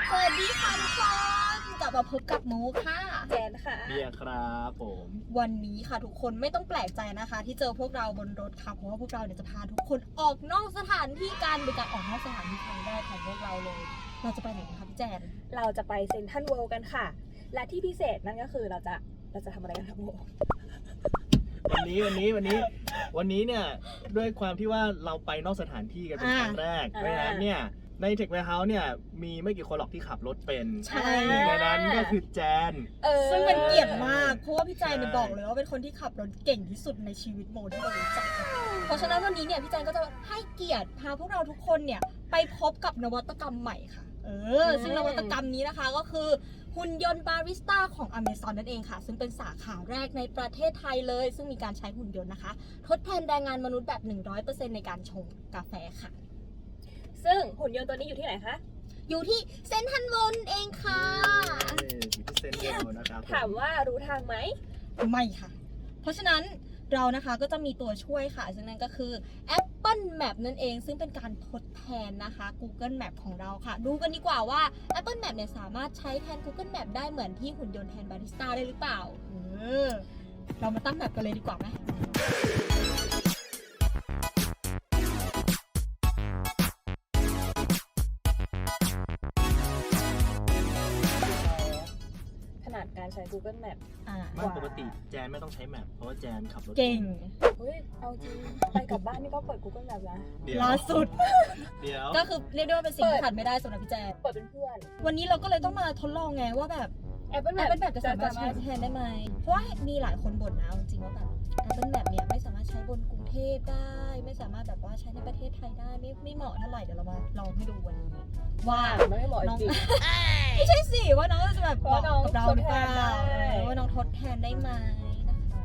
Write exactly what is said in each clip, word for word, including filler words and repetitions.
สวัสดีค่ะทุกคนกลับมาพบกับมูค่ะแจนค่ะเบียร์ครับผมวันนี้ค่ะทุกคนไม่ต้องแปลกใจนะคะที่เจอพวกเราบนรถค่ะเพราะว่าพวกเราเนี่ยจะพาทุกคนออกนอกสถานที่กันเป็นการออกนอกสถานที่ครั้งแรกของพวกเราเลยเราจะไปไหนกันคะพี่แจนเราจะไปเซ็นทรัลเวิลด์กันค่ะและที่พิเศษนั่นก็คือเราจะเราจะทำอะไรกันครับโมวันนี้วันนี้วันนี้วันนี้เนี่ยด้วยความที่ว่าเราไปนอกสถานที่กันเป็นครั้งแรกเพราะฉะนั้นเนี่ยในเทคแวร์เฮาส์เนี่ยมีไม่กี่คนหรอกที่ขับรถเป็นใช่ในนั้นก็คือแจนซึ่งเป็นเกียรติมากเพราะว่าพี่แจนเนี่ยบอกเลยว่าเป็นคนที่ขับรถเก่งที่สุดในชีวิตโมที่เรารู้จักเพราะฉะนั้นวันนี้เนี่ยพี่แจนก็จะให้เกียรติพาพวกเราทุกคนเนี่ยไปพบกับนวัตกรรมใหม่ค่ะเออซึ่งนวัตกรรมนี้นะคะก็คือหุ่นยนต์บาริสต้าของ Amazon นั่นเองค่ะซึ่งเป็นสาขาแรกในประเทศไทยเลยซึ่งมีการใช้หุ่นยนต์นะคะทดแทนแรงงานมนุษย์แบบ หนึ่งร้อยเปอร์เซ็นต์ ในการชงกาแฟค่ะซึ่งหุ่นยนต์ตัวนี้อยู่ที่ไหนคะอยู่ที่เซ็นทรัลเวิลด์เองค่ะอยู่ที่เซ็นทรัลเวิลด์นะครับถามว่ารู้ทางไหมไม่ค่ะเพราะฉะนั้นเรานะคะก็จะมีตัวช่วยค่ะซึ่งนั่นก็คือ Apple Map นั่นเองซึ่งเป็นการทดแทนนะคะ Google Map ของเราค่ะดูกันดีกว่าว่า Apple Map เนี่ยสามารถใช้แทน Google Map ได้เหมือนที่หุ่นยนต์แทนบาริสต้าได้หรือเปล่าเออเรามาตั้งแมปกันเลยดีกว่าไหมขนาดการใช้ Google Map อ่าไม่ปกติแจนไม่ต้องใช้แมปเพราะว่าแจนขับรถเก่งเฮ้ยเอาจริงไปกลับบ้านนี่ก็เปิด Google Map นะล่าสุดเดี๋ยวก็คือเรียกได้ว่าเป็นสิ่งที่ขาดไม่ได้สำหรับพี่แจนเปิดเป็นเพื่อนวันนี้เราก็เลยต้องมาทดลองไงว่าแบบ Apple Map Apple Map จะสามารถใช้แทนได้ไหมเพราะว่ามีหลายคนบ่นนะจริงๆว่าแบบ Apple Map เนี่ยไม่สามารถใช้บนกรุงเทพได้ไม่สามารถแบบว่าใช้ในประเทศไทยได้ไม่ไม่เหมาะเท่าไหร่เดี๋ยวเรามาลองให้ดูวันนี้ว่าไม่เหมาะจริงไม่ใช่สิว่าน้องจะแบบเหมาะกับเราหรือเปล่าว่าน้องทดแทนได้ไหมนะคะ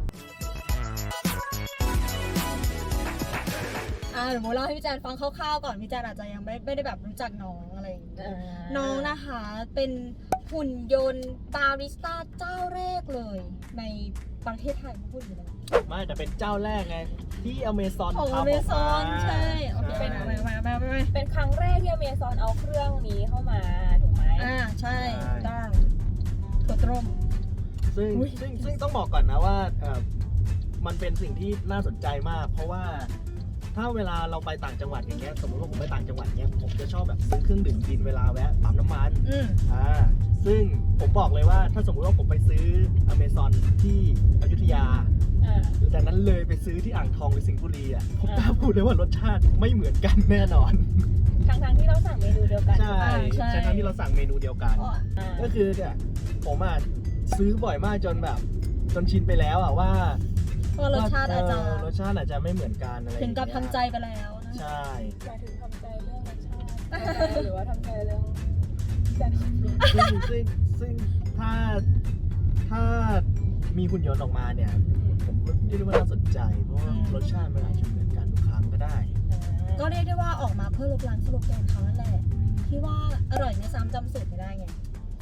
อ่าเดี๋ยวโมเล่าให้พี่แจนฟังคร่าวๆก่อนพี่แจนอาจจะยังไม่ไม่ได้แบบรู้จักน้องอะไรอย่างเงี้ยน้องนะคะเป็นหุ่นยนต์บาริสต้าเจ้าแรกเลยในประเทศไทยพูดอยู่แล้วไม่แต่เป็นเจ้าแรกไงที่ Amazon ของทำออกมา Amazon ใช่โอเคเป็นอะไรมามามาเป็นครั้งแรกที่ Amazon เอาเครื่องนี้เข้ามาถูกไหมอ่าใช่ต้องถั่วต้มซึ่งซึ่งซึ่งต้องบอกก่อนนะว่าเออมันเป็นสิ่งที่น่าสนใจมากเพราะว่าถ้าเวลาเราไปต่างจังหวัดอย่างเงี้ยสมมติว่าผมไปต่างจังหวัดเงี้ยผมจะชอบแบบซื้อเครื่องดื่มกินเวลาแวะปั๊มน้ำมันอ่าซึ่งผมบอกเลยว่าถ้าสมมติว่าผมไปซื้อ Amazon ที่อยุธยาจากนั้นเลยไปซื้อที่อ่างทองหรือสิงห์บุรีอ่ะผมกล้าพูดเลยว่ารสชาติไม่เหมือนกันแน่นอนทั้งทั้งที่เราสั่งเมนูเดียวกันใช่ใช่ทั้งที่เราสั่งเมนูเดียวกันก็คือเนี่ยผมอ่ะซื้อบ่อยมากจนแบบจนชินไปแล้วอ่ะว่ารสชาติอาจจะรสชาติอาจจะไม่เหมือนกันอะไรถึงกับทำใจไปแล้วใช่หมายถึงทำใจเรื่องรสชาติหรือว่าทำใจเรื่องการขับรถซึ่งซึ่งซึ่งถ้าถ้ามีหุ่นยนต์ออกมาเนี่ยผมก็เรียกได้ว่าน่าสนใจเพราะว่ารสชาติมันอาจจะเหมือนกันทุกครั้งก็ได้ก็เรียกได้ว่าออกมาเพื่อลบล้างสโลแกนเขานั่นแหละที่ว่าอร่อยไม่ซ้ำจำสูตรไม่ได้ไง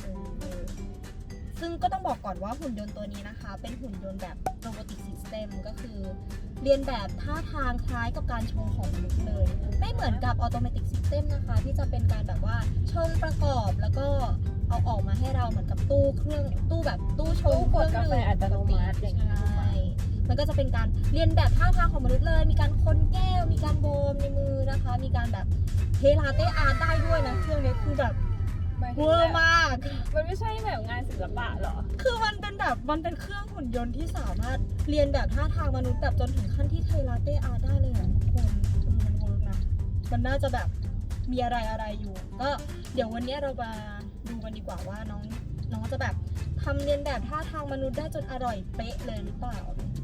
ซึ่งก็ต้องบอกก่อนว่าหุ่นยนต์ตัวนี้นะคะเป็นหุ่นยนต์แบบ robotic system ก็คือเรียนแบบท่าทางคล้ายกับการชงของมนุษย์เลยไม่เหมือนกับ automatic system นะคะที่จะเป็นการแบบว่าชงประกอบแล้วก็เอาออกมาให้เราเหมือนกับตู้เครื่องตู้แบบตู้ชงเครื่องดื่มอัตโนมัติอย่างนี้มันก็จะเป็นการเรียนแบบท่าทางของมนุษย์เลยมีการคนแก้วมีการโบมในมือนะคะมีการแบบเทลาเต้อาร์ตได้ด้วยนะเครื่องนี้คือแบบเวอร์มากมันไม่ใช่แบบงานศิลปะหรอคือมันเป็นแบบมันเป็นเครื่องหุ่นยนต์ที่สามารถเรียนแบบท่าทางมนุษย์แบบจนถึงขั้นที่เทลาเต้อาร์ตได้เลยอ่ะทุกคนมันเวิร์กนะมันน่าจะแบบมีอะไรอะไรอยู่ก็เดี๋ยววันนี้เรามาดูกันดีกว่าว่าน้องน้องจะแบบทำเรียนแบบท่าทางมนุษย์ได้จนอร่อยเป๊ะเลยหรือเปล่า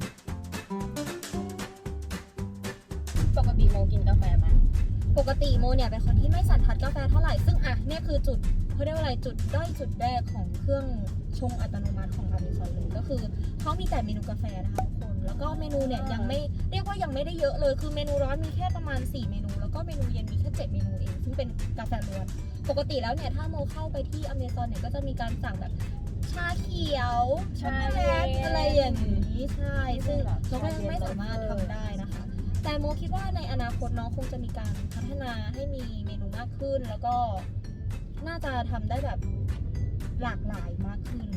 ปกติโมกินกาแฟไหมปกติโมเนี่ยเป็นคนที่ไม่สันทัดกาแฟเท่าไหร่ซึ่งอ่ะเนี่ยคือจุดเขาเรียกว่าอะไรจุดด้อยจุดแรกของเครื่องชงอัตโนมัติของ Amazon เลยก็คือเขามีแต่เมนูกาแฟนะคะทุกคนแล้วก็เมนูเนี่ยยังไม่เรียกว่ายังไม่ได้เยอะเลยคือเมนูร้อนมีแค่ประมาณสี่เมนูแล้วก็เมนูเย็นมีแค่เจ็ดเมนูเองซึ่งเป็นกาแฟล้วนปกติแล้วเนี่ยถ้าโมเข้าไปที่ Amazon เนี่ยก็จะมีการสั่งแบบชาเขียวช็อกโกแลตอะไรอย่างนี้ใช่ซึ่งเราก็ยังไม่สามารถทำได้นะคะแต่โมคิดว่าในอนาคตน้องคงจะมีการพัฒนาให้มีเมนูมากขึ้นแล้วก็น่าจะทำได้แบบหลากหลายมากขึ้น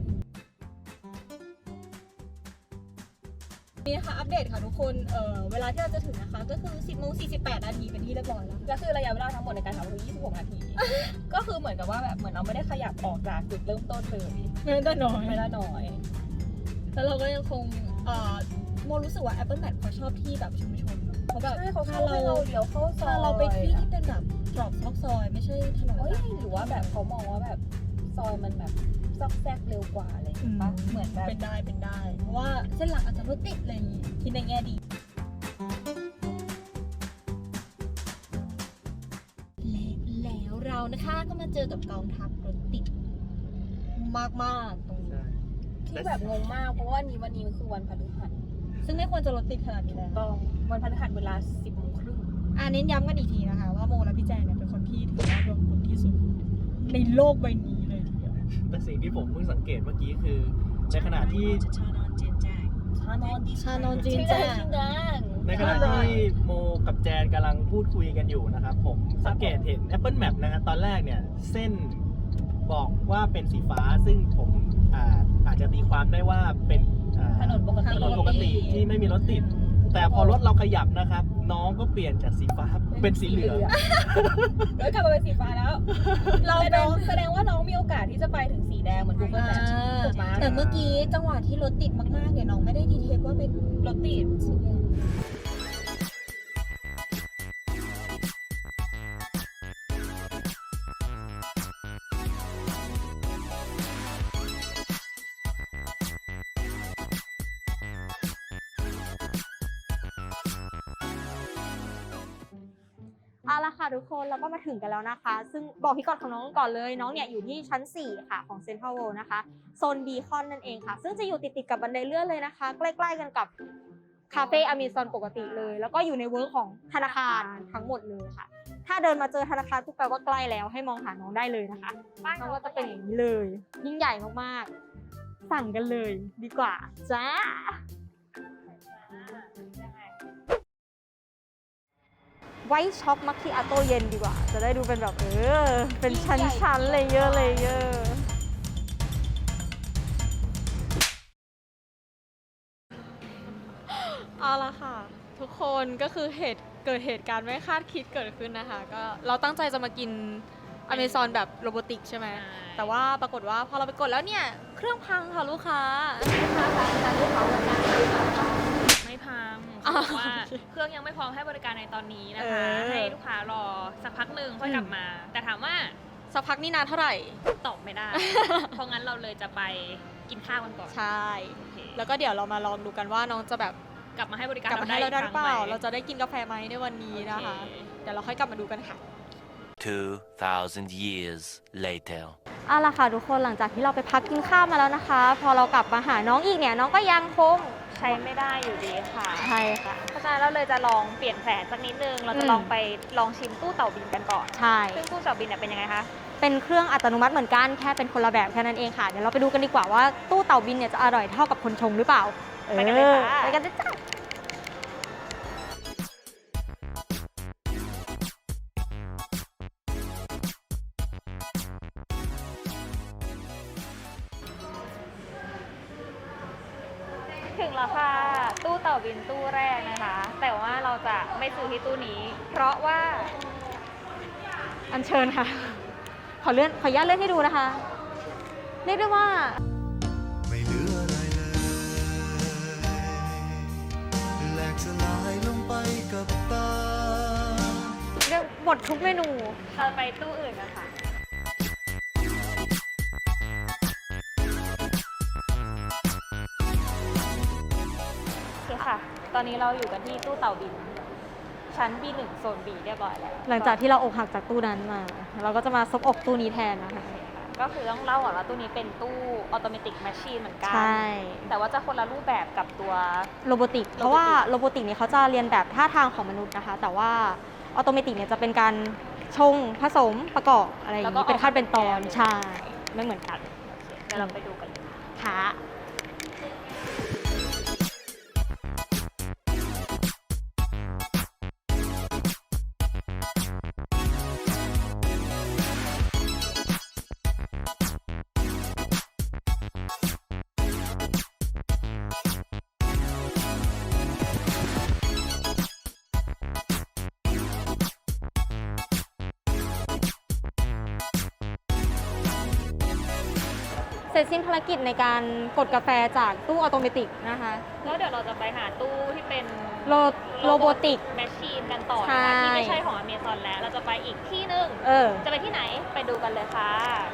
นี่นะคะอัปเดตค่ะทุกคนเอ่อเวลาที่เราจะถึงนะคะก็คือ สิบโมงสี่สิบแปด นาทีเป็นที่เรียบร้อยแล้วก็คือระยะเวลาทั้งหมดในการทำคือยี่สิบหกนาที ก็คือเหมือนกับว่าแบบเหมือนเราไม่ได้ขยับออกจากจุดเริ่มต้นเลยไม่ได้น้อยไม่ได้น้อยแล้วเราก็ยังคงเอ่อโมรู้สึกว่า Apple Map เขาชอบที่แบบชุมชนเนอะเขาแบบใช่เขาพาเข้าเราให้เราเดี๋ยวเข้าซอยพาเราไปที่ที่เป็นแบบตรอกซอกซอยไม่ใช่ถนนเอ้ยหลักหรือว่าแบบเขามองว่าแบบซอยมันแบบซอกแซกเร็วกว่าอะไรอย่างเงี้ยปะเหมือนแบบเป็นได้เป็นได้ เพราะว่าเส้นหลักอาจจะรถติดอะไรอย่างงี้คิดในแง่ดี และแล้วเรานะคะก็มาเจอกับกองทัพรถติดมากๆตรงนี้ที่แบบงงมากเพราะว่านี้วันนี้มันคือวันพฤหัสซึ่งไม่ควรจะรถติดขนาดนี้แล้วต้องวันพฤหัสเวลาสิบโมงครึ่งอ่าเน้นย้ำกันอีกทีนะคะว่าโมและพี่แจงเนี่ยเป็นคนที่ถือว่าดวงบุญที่สุดในโลกใบนี้เลยทีเดียวแต่สิ่งที่ผมเพิ่งสังเกตเมื่อกี้คือ ในขณะที่ชานอนชานอนจีนชิแจ้งงดังในขณะที่โมกับแจนกำลังพูดคุยกันอยู่นะครับ ผมสังเกตเห็น Apple Map นะฮะตอนแรกเนี่ยเส้นบอกว่าเป็นสีฟ้าซึ่งผมอ่าอาจจะตีความได้ว่าเป็นอ่าถนนปกติถนนปกติที่ไม่มีรถติด แต่พอรถเราขยับนะครับ น้องก็เปลี่ยนจากสีฟ้าเป็นสีเหลืองแล้วกลับมาเป็นสีฟ้าแล้วเราแสดน้งองแสดงว่าน้องมีโอกาสที่จะไปถึงสีแดงเหมือน Google อ่า Maps ถูกไหมแต่เมื่อกี้จังหวะที่รถติดมากๆเนี่ยน้องไม่ได้ดีเทคว่าเป็นรถติดสีแดงเอาละค่ะทุกคนเราก็มาถึงกันแล้วนะคะ ซึ่งบอกพี่กอดของน้องก่อนเลยน้องเนี่ยอยู่ที่ชั้นสี่ค่ะของเซ็นทรัลเวิลด์นะคะโซนบีคอนนั่นเองค่ะ ซึ่งจะอยู่ติดๆกับบันไดเลื่อนเลยนะคะ ใกล้ๆกันกับคาเฟ่อเมซอนปกติเลย แล้วก็อยู่ในเวิร์กของธนาคารทั้งหมดเลยค่ะ ถ้าเดินมาเจอธนาคารปุ๊บแปลว่าใกล้แล้วให้มองหาน้องได้เลยนะคะน้องก็จะเป็นอย่างนี้เลยยิ่งใหญ่มากๆสั่งกันเลยดีกว่าจ้า ไว้ช็อกมัคคิอาโต้เย็นดีกว่า จะได้ดูเป็นแบบเออ เป็นชั้นๆเลยเยอะเลยเยอะเอาละค่ะ ทุกคนก็คือเหตุเกิดเหตุการณ์ไม่คาดคิดเกิดขึ้นนะคะ ก็เราตั้งใจจะมากินอเมซอนแบบโรบอติกใช่ไหม แต่ว่าปรากฏว่าพอเราไปกดแล้วเนี่ย เครื่องพังค่ะลูกค้าลูกค้าคะการลูกค้าวันนั้นไม่พังอ๋อเขาบอกว่าเครื่องยังไม่พร้อมให้บริการในตอนนี้นะคะเออให้ลูกค้ารอสักพักหนึ่งค่อยกลับมา แต่ถามว่าสักพักนี่นานเท่าไหร่ตอบไม่ได้ เพราะงั้นเราเลยจะไปกินข้าวกันก่อนใช่โอเคแล้วก็เดี๋ยวเรามาลองดูกันว่าน้องจะแบบกลับมาให้บริการกลับมาให้เราได้หรือเปล่าคงหมเราจะได้กินกาแฟไหมในวันนี้นะคะโอเคเดี๋ยวเราค่อยกลับมาดูกันค่ะ two thousand years later เอาล่ะค่ะทุกคนหลังจากที่เราไปพักกินข้าวมาแล้วนะคะ พอเรากลับมาหาน้องอีกเนี่ยน้องก็ยังคงใช้ไม่ได้อยู่ดีค่ะใช่ค่ะเพราะฉะนั้นเราเลยจะลองเปลี่ยนแผนสักนิดนึง เราจะอืมลองไปลองชิมตู้เต่าบินกันก่อนใช่ซึ่งตู้เต่าบินเนี่ยเป็นยังไงคะเป็นเครื่องอัตโนมัติเหมือนกันแค่เป็นคนละแบบแค่นั้นเองค่ะ เดี๋ยวเราไปดูกันดีกว่าว่าตู้เต่าบินเนี่ยจะอร่อยเท่ากับคนชงหรือเปล่าไปกันเลยค่ะออไปกันเลยจ้าถึงแล้วค่ะ ตู้เต่าบินตู้แรกนะคะ แต่ว่าเราจะไม่ซื้อที่ตู้นี้ เพราะว่าอัญเชิญค่ะ ขอเลื่อนขออนุญาตเลื่อนให้ดูนะคะ เรียกได้ว่าไม่เหลืออะไรเลยแหลกสลายลงไปกับตาเรียกหมดทุกเมนูเราไปตู้อื่นกันค่ะ โอเคค่ะ ตอนนี้เราอยู่กันที่ตู้เต่าบิน ชั้น บี หนึ่ง โซน B เรียบร้อยแล้วหลังจากที่เราอกหักจากตู้นั้นมา เราก็จะมาซบอกตู้นี้แทนนะคะก็คือต้องเล่าก่อนว่าตู้นี้เป็นตู้ออโตเมติกแมชชีนเหมือนกันใช่แต่ว่าจะคนละรูปแบบกับตัวโรบอติก เพราะว่าโรบอติกเนี่ยเขาจะเรียนแบบท่าทางของมนุษย์นะคะ แต่ว่าออโตเมติกเนี่ยจะเป็นการชงผสมประกอบอะไรอย่างแล้วก็นี้เป็นขั้นเป็นตอนออกมาเป็นแก้วใช่ไม่เหมือนกันเดี๋ยวเราไปดูกันเลยค่ะเสร็จสิ้นภารกิจในการกดกาแฟจากตู้ออโตเมติกนะคะแล้วเดี๋ยวเราจะไปหาตู้ที่เป็นโรโรโบติกแมชชีนกันต่อใช่นะคะที่ไม่ใช่ของอเมซอนแล้ว เราจะไปอีกที่หนึ่งเออจะไปที่ไหนไปดูกันเลยค่ะ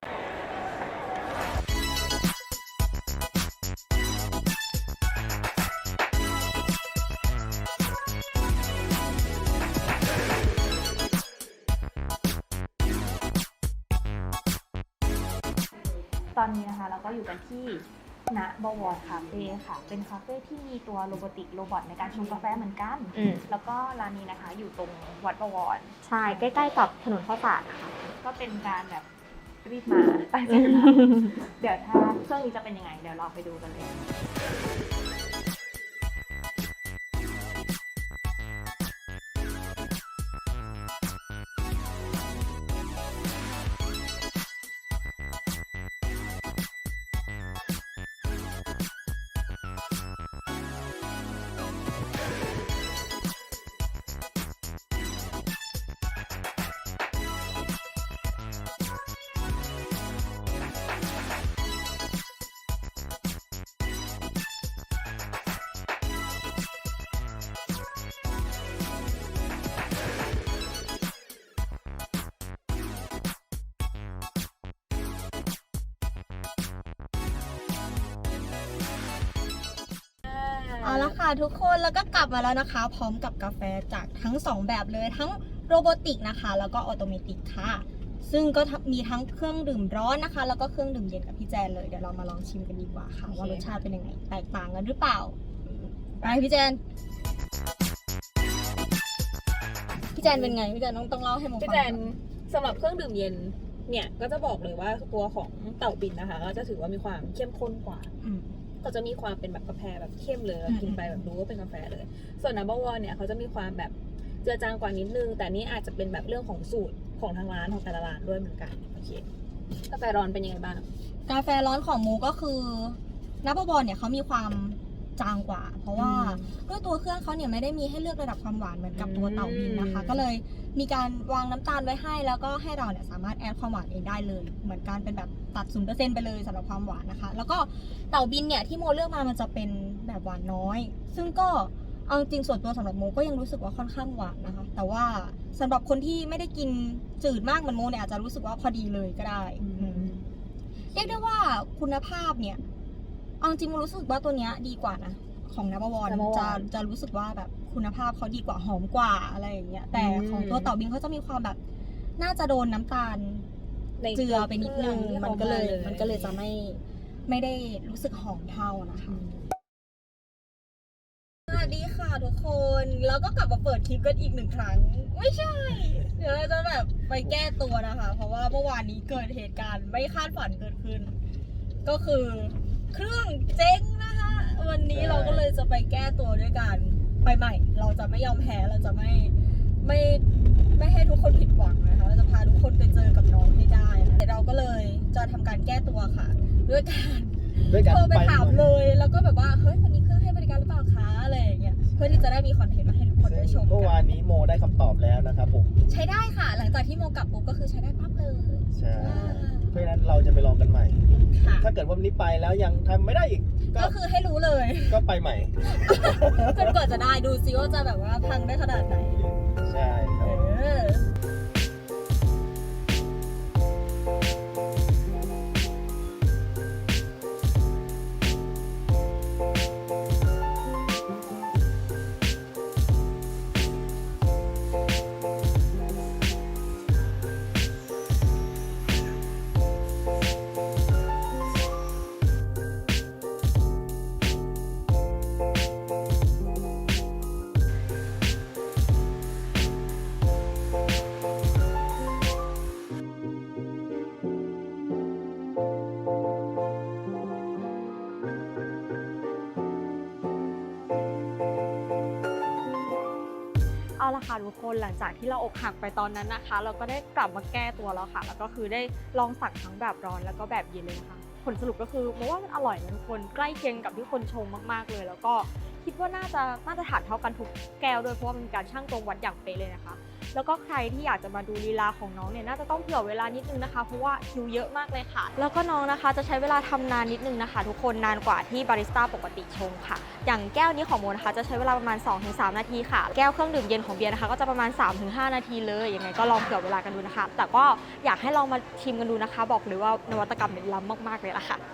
ตอนนี้นะคะเราก็อยู่กันที่ณบวรคาเฟ่ค่ะ เป็นคาเฟ่ที่มีตัวโรบอติกโรบอทในการชงกาแฟเหมือนกันอืมแล้วก็ร้านนี้นะคะอยู่ตรงวัดบวรใช่ ใกล้ๆกับถนนข้าวสารนะคะก็เป็นการแบบรีบมาตั้งใจมา เดี๋ยวถ้าเครื่องนี้จะเป็นยังไง เดี๋ยวเราไปดูกันเลยเอาละค่ะทุกคนแล้วก็กลับมาแล้วนะคะ พร้อมกับกาแฟจากทั้งสองแบบเลยทั้งโรบอติกนะคะ แล้วก็ออโตเมติกค่ะ ซึ่งก็มีทั้งเครื่องดื่มร้อนนะคะ แล้วก็เครื่องดื่มเย็นกับพี่แจนเลยเดี๋ยวเรามาลองชิมกันดีกว่าค่ะ ว่ารสชาติเป็นยังไงแตกต่างกันหรือเปล่าไปพี่แจนพี่แจนเป็นไงพี่แจนต้องต้องเล่าให้โมฟังพี่แจนสำหรับเครื่องดื่มเย็นเนี่ยก็จะบอกเลยว่าตัวของเต่าบินนะคะก็จะถือว่ามีความเข้มข้นกว่าอืมก็จะมีความเป็นแบบกาแฟแบบเข้มเลยอืมกินไปแบบรู้ว่าเป็นกาแฟเลย ส่วนนัมเบอร์วอนเนี่ยเขาจะมีความแบบเจือจางกว่านิดนึง แต่นี่อาจจะเป็นแบบเรื่องของสูตรของทางร้านของแต่ละร้านด้วยเหมือนกันโอเคกาแฟร้อนเป็นยังไงบ้างกาแฟร้อนของมูก็คือนับบอลเนี่ยเขามีความจางกว่า เพราะว่าด้วยตัวเครื่องเขาเนี่ยไม่ได้มีให้เลือกระดับความหวานเหมือนกับตัวเต่าบินนะคะ ก็เลยมีการวางน้ำตาลไว้ให้แล้วก็ให้เราเนี่ยสามารถแอดความหวานเองได้เลย เหมือนการเป็นแบบตัด ศูนย์เปอร์เซ็นต์ ไปเลยสำหรับความหวานนะคะ แล้วก็เต่าบินเนี่ยที่โมเลือกมามันจะเป็นแบบหวานน้อย ซึ่งก็เอาจริงส่วนตัวสำหรับโมก็ยังรู้สึกว่าค่อนข้างหวานนะคะ แต่ว่าสำหรับคนที่ไม่ได้กินจืดมากเหมือนโมเนี่ยอาจจะรู้สึกว่าพอดีเลยก็ได้อืม เรียกได้ว่าคุณภาพเนี่ยเอาจริงๆรู้สึกว่าตัวเนี้ยดีกว่านะของนับวร Number One จะจะรู้สึกว่าแบบคุณภาพเขาดีกว่าหอมกว่าอะไรอย่างเงี้ยแต่อืมของตัวเต่าบินเขาจะมีความแบบน่าจะโดนน้ำตาลในเจือไปนิดนึงที่มันขาก็เลยามันก็เลยจะไม่ไม่ได้รู้สึกหอมเท่านะคะสวัสดีค่ะทุกคนแล้วก็กลับมาเปิดคลิปกันอีกหนึ่งครั้ง ไม่ใช่ เดี๋ยวเราจะแบบไปแก้ตัวนะคะ เพราะว่าเมื่อวานนี้เกิดเหตุการณ์ไม่คาดฝันเกิดขึ้น ก็คือเครื่องเจ๊งนะคะ วันนี้เราก็เลยจะไปแก้ตัวด้วยกันไปใหม่ เราจะไม่ยอมแพ้เราจะไม่ไม่ไม่ให้ทุกคนผิดหวังนะคะเราจะพาทุกคนไปเจอกับน้องให้ได้นะเดี๋ยวเราก็เลยจะทำการแก้ตัวค่ะ ด้วยการด้วยกันโทรไปถามหน่อยเลย แล้วก็แบบว่าเฮ้ยวันนี้เครื่องให้บริการหรือเปล่าคะอะไรอย่างเงี้ยเพื่อที่จะได้มีคอนเทนต์มาให้ทุกคนได้ชมเมื่อกัวาน นนี้โมได้คำตอบแล้วนะครับผมใช้ได้ค่ะ หลังจากที่โมกลับปุ๊บก็คือใช้ได้ปั๊บเลยใช่เพราะฉะนั้นเราจะไปลองกันใหม่ค่ะถ้าเกิดว่าวันนี้ไปแล้วยังทำไม่ได้อีก ก็ก็คือให้รู้เลยก็ไปใหม่จนกว่าจะได้ดูซิว่าจะแบบว่าพังได้ขนาดไหนใช่คเอรับอเอาละค่ะทุกคนหลังจากที่เราอกหักไปตอนนั้นนะคะ เราก็ได้กลับมาแก้ตัวแล้วค่ะ แล้วก็คือได้ลองสั่งทั้งแบบร้อนแล้วก็แบบเย็นเลยนะคะผลสรุปก็คือมองว่ามันอร่อยนะทุกคนใกล้เคียงกับที่คนชงมากๆเลย แล้วก็คิดว่าน่าจะมาตรฐานเท่ากันทุกแก้วด้วยเพราะว่ามันมีการชั่งตรงวัดอย่างเป๊ะเลยนะคะแล้วก็ใครที่อยากจะมาดูลีลาของน้องเนี่ยน่าจะต้องเผื่อเวลานิดนึงนะคะเพราะว่าคิวเยอะมากเลยค่ะแล้วก็น้องนะคะจะใช้เวลาทำนานนิดนึงนะคะทุกคนนานกว่าที่บาริสต้าปกติชงค่ะอย่างแก้วนี้ของโมนะคะจะใช้เวลาประมาณ สองถึงสาม นาทีค่ะแก้วเครื่องดื่มเย็นของเบียร์นะคะก็จะประมาณ สามถึงห้า นาทีเลยยังไงก็ลองเผื่อเวลากันดูนะคะแต่ก็อยากให้ลองมาชิมกันดูนะคะบอกเลยว่านวัตกรรมเนี่ยล้ำมากๆเลยล่ะค่ะ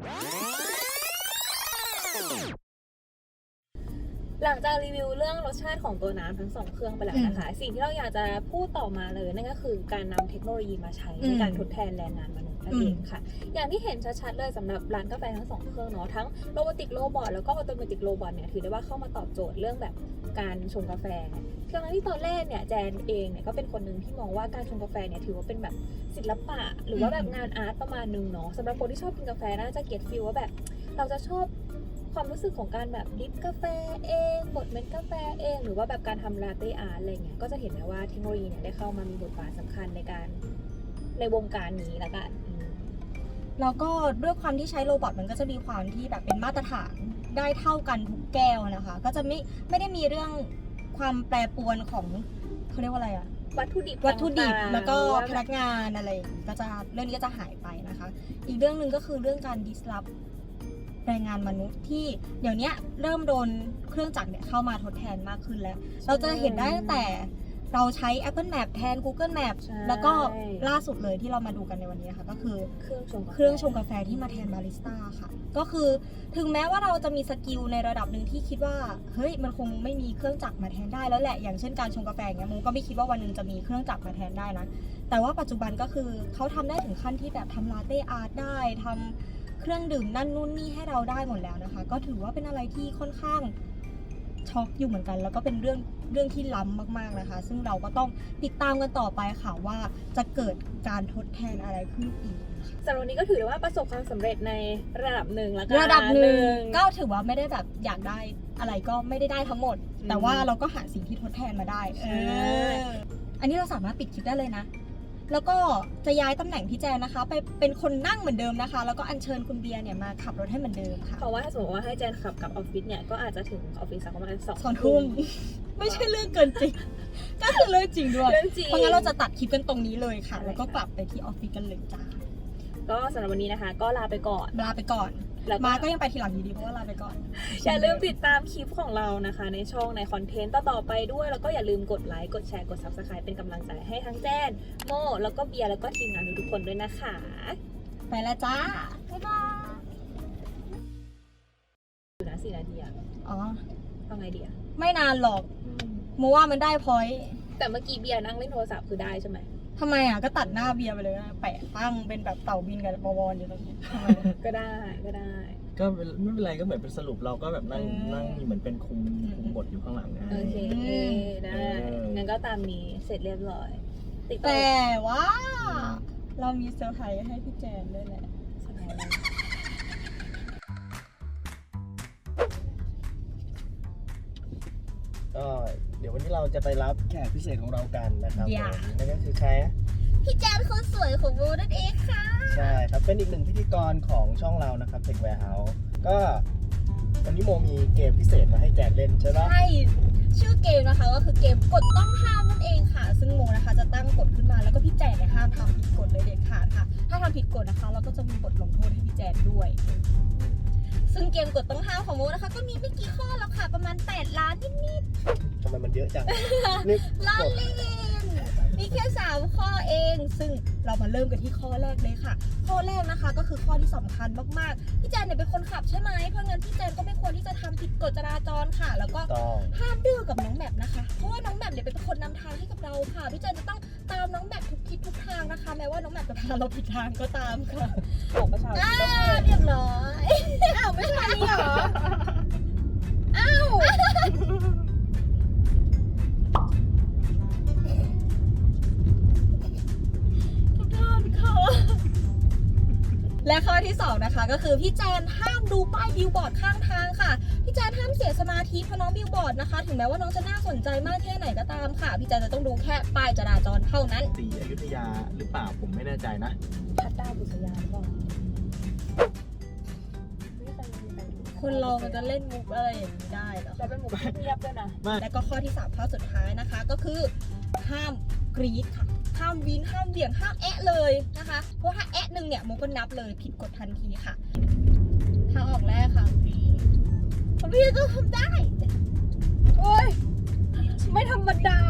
หลังจากรีวิวเรื่องรสชาติของตัวน้ำทั้งสองเครื่องไปแล้วนะคะ สิ่งที่เราอยากจะพูดต่อมาเลยนั่นก็คือการนำเทคโนโลยีมาใช้ในการทดแทนแรงงานมนุษย์นั่นเองค่ะ อย่างที่เห็นชัดๆเลยสำหรับร้านกาแฟทั้งสองเครื่องเนาะทั้งโรบอติกโรบอทแล้วก็ออโตเมติกโรบอทเนี่ยถือได้ว่าเข้ามาตอบโจทย์เรื่องแบบการชงกาแฟทั้งที่ตอนแรกเนี่ยแจนเองเนี่ยก็เป็นคนหนึ่งที่มองว่าการชงกาแฟเนี่ยถือว่าเป็นแบบศิลปะหรือว่าแบบงานอาร์ตประมาณนึงเนาะสำหรับคนที่ชอบกินกาแฟน่าจะเก็ตฟีลว่าแบบเราจะชอบความรู้สึกของการแบบดริปกาแฟเองบดเม็ดกาแฟเองหรือว่าแบบการทำลาเต้อาร์ตอะไรเงี้ยก็จะเห็นได้ว่าเทคโนโลยีเนี่ยได้เข้ามามีบทบาทสำคัญในการในวงการนี้ละกันแล้วก็ด้วยความที่ใช้โรบอทมันก็จะมีความที่แบบเป็นมาตรฐานได้เท่ากันทุกแก้วนะคะก็จะไม่ไม่ได้มีเรื่องความแปรปรวนของเขาเรียกว่าอะไรอะวัตถุดิบวัตถุดิบต่างๆแล้วก็หรือว่าพนักงานอะไรอย่างงี้ก็จะเรื่องนี้ก็จะหายไปนะคะ อีกเรื่องหนึ่งก็คือเรื่องการ disrupt แรงงานมนุษย์ที่เดี๋ยวนี้เริ่มโดนเครื่องจักรเนี่ยเข้ามาทดแทนมากขึ้นแล้ว เราจะเห็นได้ตั้งแต่เราใช้ Apple Map แทน Google Map ใช่แล้วก็ล่าสุดเลยที่เรามาดูกันในวันนี้นะคะก็คือเครื่องชงกาแฟเครื่องชงกาแฟที่มาแทนบาริสต้าค่ะ ก็คือถึงแม้ว่าเราจะมีสกิลในระดับหนึ่งที่คิดว่าเฮ้ยมันคงไม่มีเครื่องจักรมาแทนได้แล้วแหละอย่างเช่นการชงกาแฟเงี้ยโมก็ไม่คิดว่าวันหนึงจะมีเครื่องจักรมาแทนได้นะแต่ว่าปัจจุบันก็คือเขาทำได้ถึงขั้นที่แบบทำลาเต้อาร์ตได้ทำเครื่องดื่มนั่นนู่นนี่ให้เราได้หมดแล้วนะคะ ก็ถือว่าเป็นอะไรที่ค่อนข้างช็อกอยู่เหมือนกัน แล้วก็เป็นเรื่องเรื่องที่ล้ำมากๆนะคะ ซึ่งเราก็ต้องติดตามกันต่อไปค่ะว่าจะเกิดการทดแทนอะไรขึ้นอีกสำหรับวันนี้ก็ถือได้ว่าประสบความสำเร็จในระดับหนึ่งแล้วกันระดับหนึ่งก็ถือว่าไม่ได้แบบอยากได้อะไรก็ไม่ได้ได้ทั้งหมด แต่ว่าเราก็หาสิ่งที่ทดแทนมาได้เอออันนี้เราสามารถปิดคลิปได้เลยนะ แล้วก็จะย้ายตำแหน่งพี่แจนนะคะ ไปเป็นคนนั่งเหมือนเดิมนะคะ แล้วก็อัญเชิญคุณเบียร์เนี่ยมาขับรถให้เหมือนเดิมค่ะเพราะว่าถ้าสมมติว่าให้แจนขับกลับออฟฟิศเนี่ยก็อาจจะถึงออฟฟิศสักประมาณสองสองทุ่มไม่ใช่เรื่องเกินจริง ก็คือเรื่องจริงด้วยเรื่องจริงเพราะงั้นเราจะตัดคลิปกันตรงนี้เลยค่ะ แล้วก็กลับไปที่ออฟฟิศกันเลยจ้าก็สำหรับวันนี้นะคะ ก็ลาไปก่อนลาไปก่อนแล้วมาก็ยังไปทีหลังอยู่ดีเพราะว่าลาไปก่อนอย่าลืมติดตามคลิปของเรานะคะ ในช่องในคอนเทนต์ต่อๆไปด้วย แล้วก็อย่าลืมกดไลค์กดแชร์กด ซับสไครบ์ เป็นกำลังใจให้ทั้งแจนโมแล้วก็เบียร์แล้วก็ทีมงานทุกๆคนด้วยนะคะไปแล้วจ้าบ๊ายบายอยู่นะสี่นาทีอะอ๋อเอาไงดีอะไม่นานหรอกโมว่ามันได้พอยต์แต่เมื่อกี้เบียร์นั่งเล่นโทรศัพท์คือได้ใช่ไหมทำไมอ่ะก็ตัดหน้าเบียร์ไปเลยนะแปะตั้งเป็นแบบเต่าบินกับบวรอยู่ตรงนี้ทำไมก็ได้ก็ได้ก็ไม่เป็นไรก็เหมือนเป็นสรุปเราก็แบบนั่งอืมนั่งเหมือนเป็นคุมคุมบทอยู่ข้างหลังนะโอเคอืมได้เอองั้นก็ตามนี้เสร็จเรียบร้อยติดต่อแต่ว่าเรามีเซอร์ไพรส์ให้พี่แจนด้วยแหละก็เดี๋ยววันนี้เราจะไปรับแขกพิเศษของเรากันนะครับอย่าผมนั่นก็คือใครนะพี่แจนคนสวยของโมนั่นเองค่ะใช่ครับเป็นอีกหนึ่งพิธีกรของช่องเรานะครับ Tech Warehouse ก็วันนี้โมมีเกมพิเศษมาให้แจกเล่นใช่ไหมใช่ชื่อเกมนะคะก็คือเกมกฎต้องห้ามนั่นเองค่ะ ซึ่งโมนะคะจะตั้งกฎขึ้นมาแล้วก็พี่แจนเนี่ยห้ามทำผิดกฎเลยเด็ดขาดค่ะ ถ้าทำผิดกฎนะคะ เราก็จะมีบทลงโทษให้พี่แจนด้วย ซึ่งเกมกฎต้องห้ามของโมนะคะ ก็มีไม่กี่ข้อแล้วค่ะ ประมาณแปดล้านนิดทำไมมันเยอะจัง นี่ๆล้านเล่นมีแค่สามข้อเอง ซึ่งเรามาเริ่มกันที่ข้อแรกเลยค่ะ ข้อแรกนะคะก็คือข้อที่สำคัญมากๆพี่แจนเนี่ยเป็นคนขับใช่ไหมเพราะงั้นพี่แจนก็ไม่ควรที่จะทำผิดกฎจราจรค่ะ แล้วก็ต้องห้ามดื้อกับน้องแมปนะคะ เพราะว่าน้องแมปเนี่ยเป็นคนนำทางให้กับเราค่ะ พี่แจนจะต้องตามน้องแมปทุกทิศทุกทางนะคะ แม้ว่าน้องแมปจะพาเราผิดทางก็ตามค่ะของประชาชนอ่าต้องให้เรียบร้อย อ้าวไม่ใช่นี่เหรอ อ้าวทุกท่านค่ะและข้อที่สองนะคะก็คือพี่แจนห้ามดูป้ายบิลบอร์ดข้างทางค่ะ พี่แจนห้ามเสียสมาธิเพราะน้องบิลบอร์ดนะคะ ถึงแม้ว่าน้องจะน่าสนใจมากแค่ไหนก็ตามค่ะ พี่แจนจะต้องดูแค่ป้ายจราจรเท่านั้นสีอยุธยาหรือเปล่าผมไม่แน่ใจนะพัดดาวบุษยาหรือเปล่าไม่เคยมีใครดูคนเรามันจะเล่นมุกอะไรอย่างนี้ได้เหรอแล้วเป็นหมูเงียบด้วยนะและก็ข้อที่สามข้อสุดท้ายนะคะก็คือหห้ามกรี๊ดค่ะห้ามวีนห้ามเบี่ยงห้ามแอะเลยนะคะเพราะถ้าแอะหนึ่งเนี่ยโมก็นับเลยผิดกฎทันทีค่ะทางออกแรกค่ะพี่พี่ก็ทำได้โอ้ยไม่ธรรมดา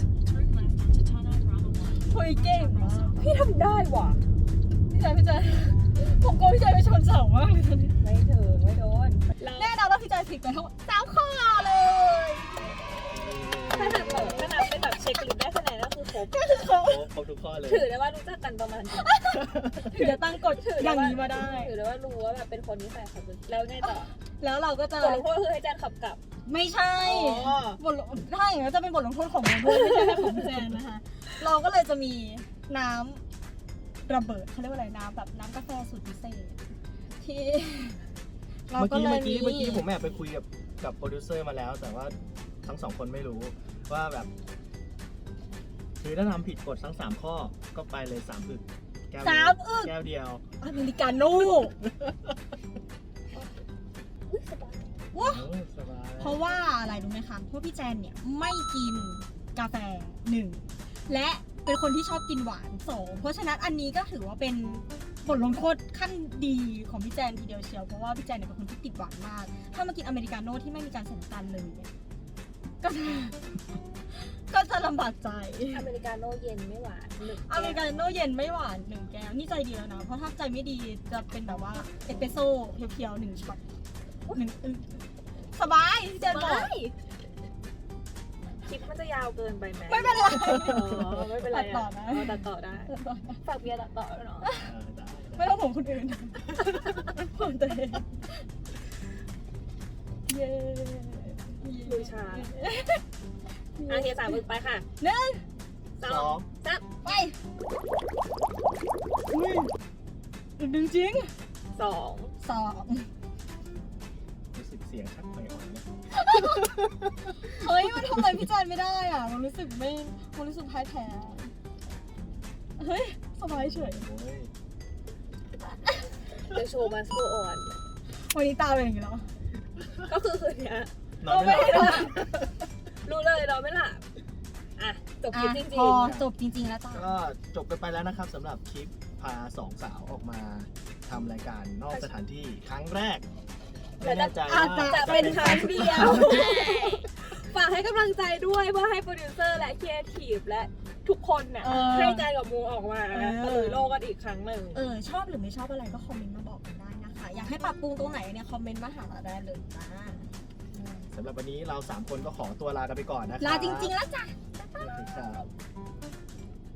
เฮ้ยเก่งมากพี่ทำได้ว่ะพี่ใจพี่ใจผมกลัวพี่ใจไปชนเสามากเลยตอนนี้ไม่ถึงไม่โดนแน่นอนว่าพี่ใจผิดไปทั้งหมดสามข้อเลยถ้านับแบบถ้านับเป็นแบบเช็คลิสต์ได้คะแนนก็คือครบครบครบทุกข้อเลยถือได้ว่ารู้จักกันประมาณนี้ถึงจะตั้งกฎอย่างนี้มาได้ถือได้ว่ารู้ว่าแบบเป็นคนนิสัยขับรถแล้วไงต่อแล้วเราก็จะบทลงโทษคือให้แจนขับกลับไม่ใช่อ๋อบทลงถ้าอย่างนั้นจะเป็นบทลงโทษของโมด้วยไม่ใช่ของแจนนะคะ เราก็เลยจะมีน้ำระเบิดเขาเรียกว่าอะไรน้ำแบบน้ำกาแฟสูตรพิเศษที่เราเมื่อก็กี้เลเมื่ยอกี้เมื่อกี้ผมแอบไปคุยกับกับโปรดิวเซอร์มาแล้ว แต่ว่าทั้งสองคนไม่รู้ว่าแบบคือถ้าทำผิดกฎทั้งสามข้อก็ไปเลยสามอึกแก้วเดียวสามอึกแก้วเดียวอเมริกาโน่ ว้าโอ้สบายเพราะว่าอะไรรู้ไหมคะเพราะพี่แจนเนี่ยไม่กินกาแฟหนึ่งและเป็นคนที่ชอบกินหวานสองเพราะฉะนั้นอันนี้ก็ถือว่าเป็นบทลงโทษขั้นดีของพี่แจนทีเดียวเชียวเพราะว่าพี่แจนเนี่ยเป็นคนที่ติดหวานมาก ถ้ามากินอเมริกาโน่ที่ไม่มีการใส่น้ำตาลเลยเนี่ยก็จะก็จะลำบากใจอเมริกาโน่เย็นไม่หวานหนึ่งอเมริกาโน่เย็นไม่หวานหนึ่งแก้วนี่ใจดีแล้วนะเพราะถ้าใจไม่ดีจะเป็นแบบว่าเอสเปรสโซ่เพียวๆหนึ่งช็อตหนึ่งอึกสบายพี่แจนบอกคลิปมันจะยาวเกินไปไหมไม่เป็นไรอ๋อไม่เป็นไรตัดต่อนะเตัดต่อได้ฝากเบียร์ตัดต่อด้วยเนาะเออได้ไม่ต้องผมคนอื่นผมตัวเองเย้ลุยชาอาเทียสามมึกไปค่ะหนึ่งสสออง งสามไปอุ้ยหนึ่งจริงสองสองรู้สึกเสียงชักไปอ่อนนะเฮ้ยมันทำอะไรพี่แจนไม่ได้อ่ะมันรู้สึกไม่มันรู้สึกพ่ายแพ้เฮ้ยสบายเฉยโอ้ย The show must go on วันนี้ตาเป็นอย่างนี้แล้วก็คือคืนเนี้ยนอนไม่หลับรู้เลยนอนไม่หลับอ่ะจบคลิปจริงพอจบจริงๆแล้วจ้าก็จบกันไปแล้วนะครับสำหรับคลิปพาสองสาวออกมาทำรายการนอกสถานที่ครั้งแรกไม่แน่ใจว่าๆจะเป็นครั้งเดียวฝากให้กำลังใจด้วยเพื่อให้โปรดิวเซอร์และครีเอทีฟและทุกคนเนี่ยเออให้ใจกับมูออกมาเออตะลุยโลกกันอีกครั้งหนึ่งเออชอบหรือไม่ชอบอะไรก็คอมเมนต์มาบอกกันได้นะคะ อยากให้ปรับปรุงตรงไหนเนี่ยคอมเมนต์มาหาเราได้เลยจ้าสำหรับวันนี้เราสามคนก็ขอตัวลากันไปก่อนนะครับลาจริงๆแล้วจ้ะๆครับ